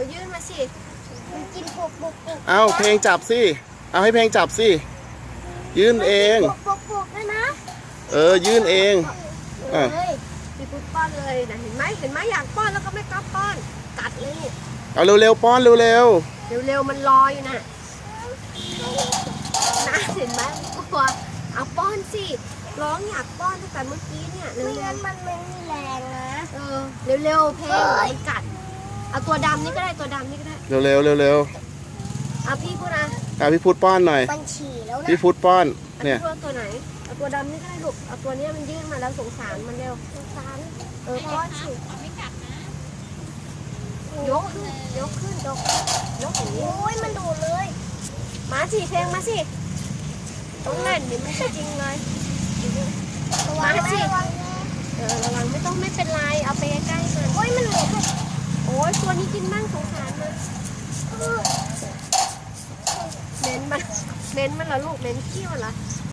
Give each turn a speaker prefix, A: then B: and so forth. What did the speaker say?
A: ยื่นมาสิ
B: มันกินปุกปุกปุก
C: เอาเพลงจับสิเอาให้เพลงจับสิยื่นเอง
B: ปุกปุกปุกด้วยนะ
C: ยื่นเองอ่ะ
A: เลยพี่พุทธป้อนเลยนะเห็นไหมอยากป้อนแล้วก็ไม่กล้าป้อนกัดเลย
C: เอาเร็วๆป้อนเร็ว
A: เร็วมันรออยู่นะเห็นไหมกลัวเอาป้อนสิร้องอยากป้อนตั้งแต่เมื่อกี้เนี่ยเร็
B: ไม่
A: ว
B: งั้นมันไม่มีแรงนะ
A: เร็วเพลงมันกัดเอาตัวดำนี่ก็ได้ตัวดำนี่ก็ได้
C: ๆเร็วๆเร็ว
A: เอาพี่พูดนะ
C: ๆพี่พุทธป้อนหน่อย
B: มันฉี่แล้วนะ
C: พี่พุทธป้อน
A: เอา
C: เนี่ย
A: พี่พูดตัวไหนเอาตัวดำนี่ก็ได้ลูกเอาตัวเนี้ยมันยื่นมาแล้วสงสารมันเร็ว
B: สงสาร
A: ป้อนสิยกขึ้นยกอย่างนี้
B: โอ้ยมันดูดเลย
A: มาสิเพลงมาสิต้องเล่นเดี๋ยวมันจะจริงเลย
B: ระวังนะระวังนะ
A: ระวังไม่เป็นไรเอาไปใกล้ๆมัน
B: โอ้ยมันเหลือแค่
A: โอ้ยตัวนี้กินบ้างสงสารมันเม้นมันเหรอลูกเม้นขี้มันเหรอ